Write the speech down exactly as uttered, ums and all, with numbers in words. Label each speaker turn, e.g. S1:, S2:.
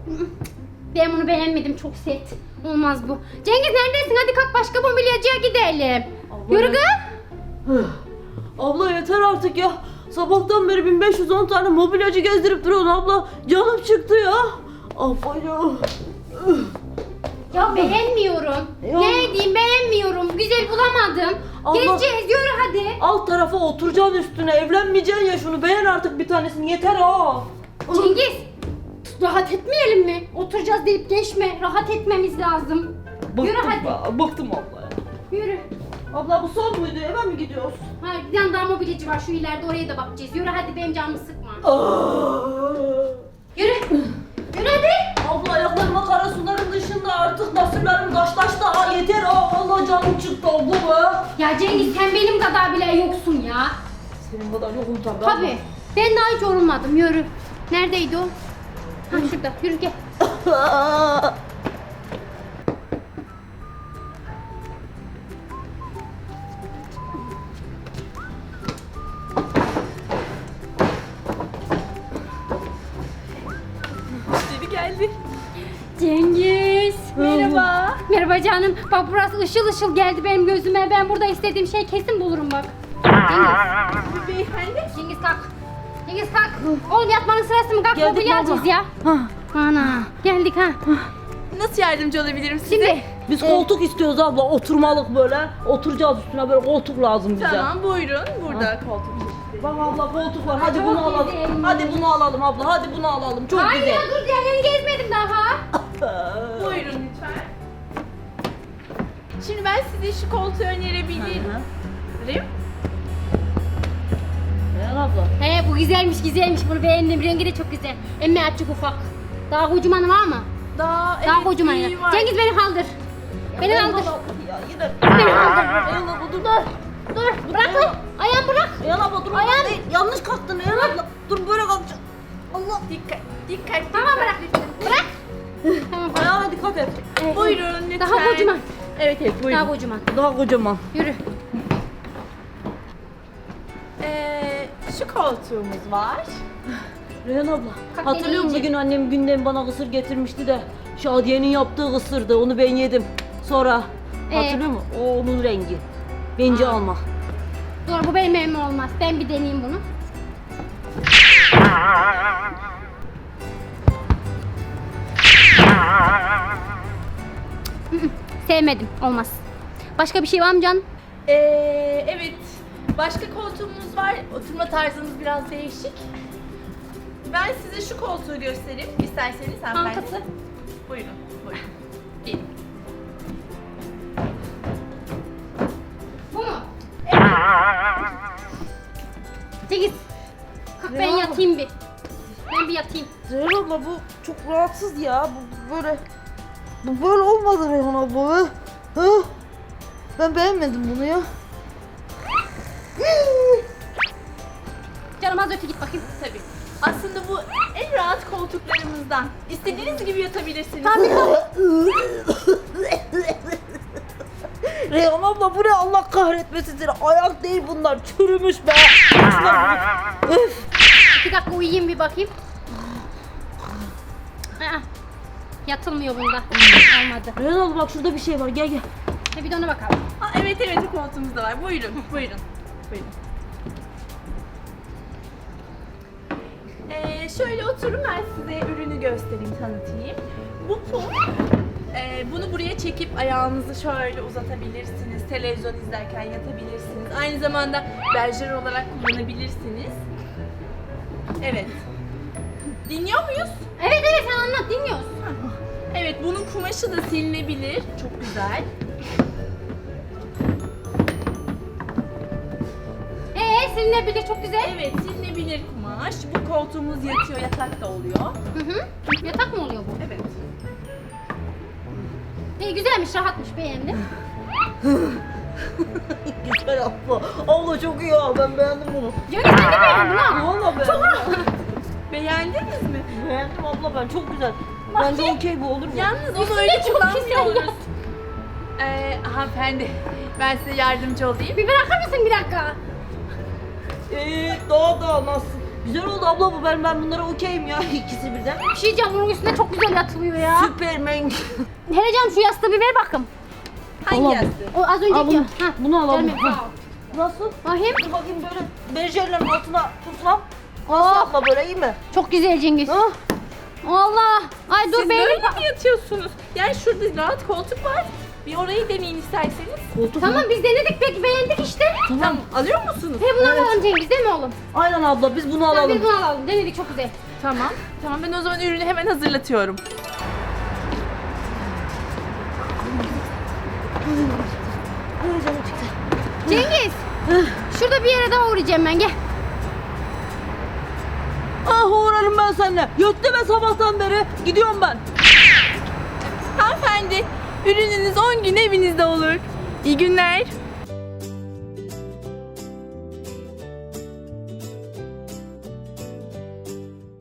S1: Ben bunu beğenmedim, çok sert. Olmaz bu. Cengiz neredesin? Hadi kalk başka mobilyacıya gidelim.
S2: Abla,
S1: Yürü kız.
S2: Abla yeter artık ya. Sabahtan beri bin beş yüz on tane mobilyacı gezdirip duruyorsun abla. Canım çıktı ya. Abla ya.
S1: Ya beğenmiyorum.
S2: Ya.
S1: Ne diyeyim, beğenmiyorum. Güzel bulamadım.
S2: Allah.
S1: Gezeceğiz, yürü hadi.
S2: Alt tarafa oturacaksın üstüne. Evlenmeyeceksin ya, şunu beğen artık bir tanesini, yeter ha.
S1: Cengiz, rahat etmeyelim mi? Oturacağız deyip geçme. Rahat etmemiz lazım.
S2: Bıktım
S1: Yürü hadi.
S2: be, bıktım abla ya.
S1: Yürü.
S2: Abla bu son muydu, eve mi gidiyoruz?
S1: Ha, bir tane daha mobilyacı var şu ileride, oraya da bakacağız. Yürü hadi, benim canımı sıkma.
S2: Aa.
S1: Yürü. Yürü hadi.
S2: Abla ayaklarıma kara suların dışında artık nasırlarım taşlaştı ha, yeter ha. Vallahi canım çıktı abla be.
S1: Ya Cengiz, sen benim kadar bile yoksun ya.
S2: Senin kadar yokum tabii.
S1: Tabii. Ben daha hiç yorulmadım. Yürü. Neredeydi o? Ha şurada. Yürü gel.
S2: abla.
S3: Müşteri geldi.
S1: Cengiz.
S3: Merhaba.
S1: Merhaba canım. Bak burası ışıl ışıl geldi benim gözüme. Ben burada istediğim şey kesin bulurum bak. Cengiz.
S3: Beyefendi.
S1: Cengiz kalk. Cengiz kalk. Oğlum yatmanın sırası mı? Kalk,
S2: Geldik
S1: mobilya
S2: baba.
S1: alacağız ya.
S2: Ha.
S1: Ana. Geldik ha.
S3: Nasıl yardımcı olabilirim size?
S1: Şimdi.
S2: Biz koltuk istiyoruz abla, oturmalık böyle. Oturacağız üstüne, böyle koltuk lazım bize.
S3: Tamam buyurun. Burada koltuk.
S2: Bak abla koltuk var, hadi
S1: Çok
S2: bunu alalım.
S1: güzel.
S2: Hadi bunu alalım abla, hadi bunu alalım. Çok
S1: Hayır
S2: güzel.
S1: ya, dur, diğerlerini gezmedim daha.
S3: Buyurun lütfen. Şimdi ben size şu koltuğu önerebilirim.
S2: Reyhan abla.
S1: He, bu güzelmiş güzelmiş, bunu beğendim. Rengi de çok güzel. Emme açık ufak. Daha kocamanı var mı?
S3: Daha,
S1: Daha
S3: evet,
S1: kocaman ya.
S3: büyüğü var.
S1: Cengiz beni kaldır. Beni
S2: Reyhan
S1: kaldır.
S2: abla, Ya yine.
S1: Beni kaldır.
S2: Reyhan abla dur.
S1: Dur. Dur. Bırak lan. Ayağımı bırak.
S2: Reyhan abla dur.
S1: Ayağım.
S2: Değil, yanlış kalktın Reyhan abla. Dur böyle kalkacağım. Allah.
S3: Dikkat, dikkat.
S1: Tamam, bırak. Bırak. Tamam, bırak.
S2: Ayağına dikkat et.
S1: Evet.
S3: Buyurun lütfen.
S1: Daha kocaman.
S3: Evet evet buyurun.
S1: Daha kocaman.
S2: Daha kocaman.
S1: Yürü.
S3: Ee, şu koltuğumuz var.
S2: Reyhan abla,
S1: Kalk,
S2: hatırlıyor musun
S1: beni
S2: bir gün annem günden bana kısır getirmişti de Şadiye'nin yaptığı kısırdı, onu ben yedim. Sonra
S1: Ee?
S2: hatırlıyor musun? O onun rengi. Bence
S1: Aa.
S2: alma.
S1: Dur, bu benim evime olmaz. Ben bir deneyeyim bunu. Sevmedim. Olmaz. Başka bir şey var mı canım?
S3: Ee, evet. Başka koltuğumuz var. Oturma tarzımız biraz değişik. Ben size şu koltuğu göstereyim. İsterseniz hanımefendi.
S1: Kankası.
S3: Buyurun. Buyurun. Gelin.
S1: Bu mu? Cengiz. Kalk, ben
S2: Ya.
S1: yatayım bir. Ben bir yatayım.
S2: Reyhan abla bu çok rahatsız ya. Bu böyle bu böyle olmadı Reyhan abla. Ha? Ben beğenmedim bunu ya.
S1: Canım az öte git bakayım.
S3: Tabii. Aslında bu en rahat koltuklarımızdan. İstediğiniz gibi yatabilirsiniz.
S2: Reyhan abla bu ne, Allah kahretmesin seni. Ayak değil bunlar, çürümüş be. Öf.
S1: İki dakika uyuyayım bir bakayım. Aa, yatılmıyor bunda. Olmadı.
S2: Reyhan abla bak şurada bir şey var, gel gel.
S1: Ha, bir de ona bakalım.
S3: Aa, evet evet o koltuğumuz da var. Buyurun. Buyurun. Buyurun. Ee, şöyle oturun, ben size ürünü göstereyim, tanıtayım. Bu pul. Ee, bunu buraya çekip ayağınızı şöyle uzatabilirsiniz. Televizyon izlerken yatabilirsiniz. Aynı zamanda berjer olarak kullanabilirsiniz. Evet. Dinliyor muyuz?
S1: Evet evet, sen anlat, dinliyoruz.
S3: Evet, bunun kumaşı da silinebilir. Çok güzel.
S1: Ee, silinebilir, çok güzel.
S3: Evet, silinebilir kumaş. Bu koltuğumuz yatıyor, yatak da oluyor.
S1: Hı hı. Yatak mı oluyor bu?
S3: Evet.
S1: İyi, güzelmiş, rahatmış, beğendim.
S2: Güzel abla. Abla çok iyi ya, ben beğendim bunu.
S1: Cengiz, ben de beğendim ha.
S2: Valla beğendim.
S3: Beğendiniz mi?
S2: Beğendim abla ben, çok güzel. Bence okey, bu olur mu?
S3: Yalnız onu
S1: Üstüne
S3: öyle
S1: çok
S3: kullanmıyoruz.
S1: güzel yat.
S3: Ee, hanımefendi, ben size yardımcı olayım.
S1: Bir bırakır mısın bir dakika?
S2: Eee daha da nasıl? Güzel oldu abla bu, ben ben bunlara okeyim ya ikisi birden.
S1: Bir şey diyeceğim, bunun üstüne çok güzel yatılıyor ya.
S2: Süpermen.
S1: Heyecan şu yastığı bir ver bakayım.
S3: Hangi
S2: Tamam.
S3: yastık?
S1: O az
S2: Al
S1: önceki.
S2: bunu,
S1: Ha.
S2: bunu alalım.
S1: Gelme.
S2: Ha. Nasıl?
S1: Bakayım.
S2: Dur bakayım böyle berjerlerin altına puslam. Nasıl abla, böyle iyi mi?
S1: Çok güzel Cengiz.
S2: Ah.
S1: Allah. Ay dur
S3: Siz
S1: benim.
S3: böyle mi yatıyorsunuz? Yani şurada rahat koltuk var. Bir orayı deneyin isterseniz.
S2: Koltuk
S1: Tamam
S2: mu?
S1: biz denedik peki beğendik işte.
S3: Tamam. Alıyor musunuz?
S1: He bunu
S2: Evet.
S1: alalım Cengiz değil mi oğlum?
S2: Aynen abla, biz bunu
S1: Tamam
S2: alalım.
S1: biz bunu alalım. Denedik çok güzel.
S3: Tamam. Tamam ben o zaman ürünü hemen hazırlatıyorum.
S2: Ay canım çıktı.
S1: Cengiz. Şurada bir yere daha uğrayacağım ben gel.
S2: Ah uğrarım ben seninle. Yattı be sabahtan beri. Gidiyorum ben.
S3: Hanımefendi, ürününüz on gün evinizde olur. İyi günler.